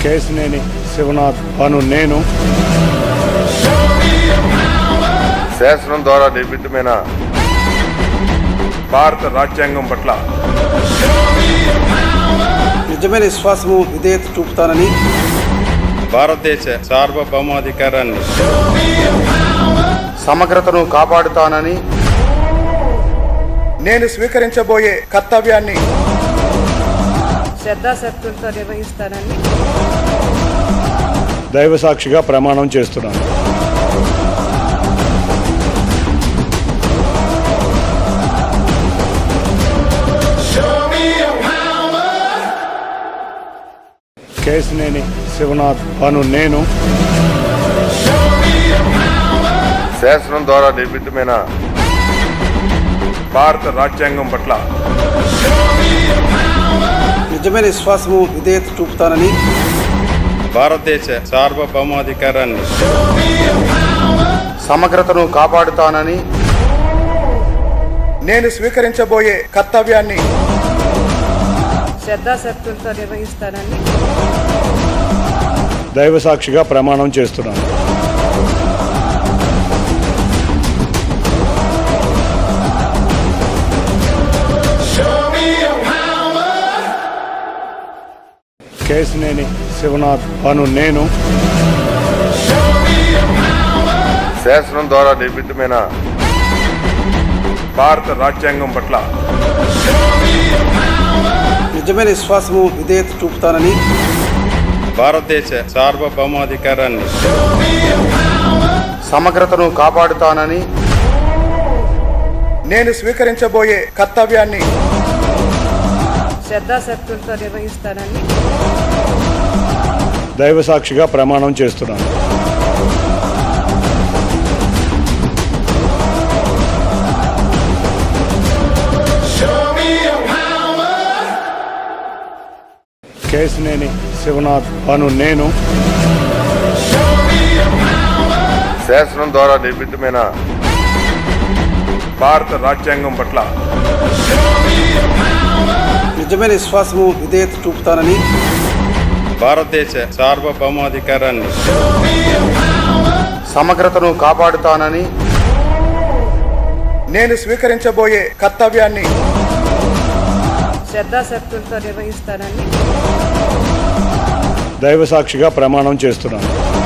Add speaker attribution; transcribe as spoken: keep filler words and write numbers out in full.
Speaker 1: కేశినేని శివనాథ్ అను నేను
Speaker 2: శాసనం ద్వారా నిర్మితమైన భారత రాజ్యాంగం పట్ల
Speaker 3: నిజమైన విశ్వాసము విధేయత చూపుతానని,
Speaker 4: భారతదేశ సార్వభౌమాధికారాన్ని
Speaker 3: సమగ్రతను కాపాడుతానని,
Speaker 5: నేను స్వీకరించబోయే కర్తవ్యాన్ని
Speaker 6: శ్రద్ధాశక్తులతో నిర్వహిస్తానని
Speaker 1: దైవ సాక్షిగా ప్రమాణం చేస్తున్నాను. కేశినేని శివనాథ్ అను నేను
Speaker 2: శాసనం ద్వారా నిర్మితమైన భారత రాజ్యాంగం పట్ల
Speaker 3: నిజమైన విశ్వాసము విధేయత చూపుతానని,
Speaker 4: భారతదేశ సార్వభౌమాధికారాన్ని
Speaker 3: సమగ్రతను కాపాడుతానని,
Speaker 5: నేను స్వీకరించబోయే కర్తవ్యాన్ని
Speaker 6: శ్రద్ధాశక్తులతో నిర్వహిస్తానని
Speaker 1: దైవ సాక్షిగా ప్రమాణం చేస్తున్నాను. కేశినేని శివనాథ్ అను నేను
Speaker 2: శాసనం ద్వారా నిర్మితమైన భారత రాజ్యాంగం పట్ల
Speaker 3: నిజమైన విశ్వాసము విధేయత చూపుతానని,
Speaker 4: భారతదేశ సార్వభౌమాధికారాన్ని
Speaker 3: సమగ్రతను కాపాడుతానని,
Speaker 5: నేను స్వీకరించబోయే కర్తవ్యాన్ని
Speaker 6: శ్రద్ధాశక్తులతో నిర్వహిస్తానని
Speaker 1: దైవ సాక్షిగా ప్రమాణం చేస్తున్నాను. కేశినేని శివనాథ్ అను నేను
Speaker 2: శాసనం ద్వారా నిర్మితమైన భారత రాజ్యాంగం పట్ల
Speaker 3: నిజమైన విశ్వాసము విధేయత చూపుతానని,
Speaker 4: భారతదేశ సార్వభౌమాధికారాన్ని
Speaker 3: సమగ్రతను కాపాడుతానని,
Speaker 5: నేను స్వీకరించబోయే కర్తవ్యాన్ని
Speaker 6: శ్రద్ధాశక్తులతో నిర్వహిస్తానని
Speaker 1: దైవ సాక్షిగా ప్రమాణం చేస్తున్నాను.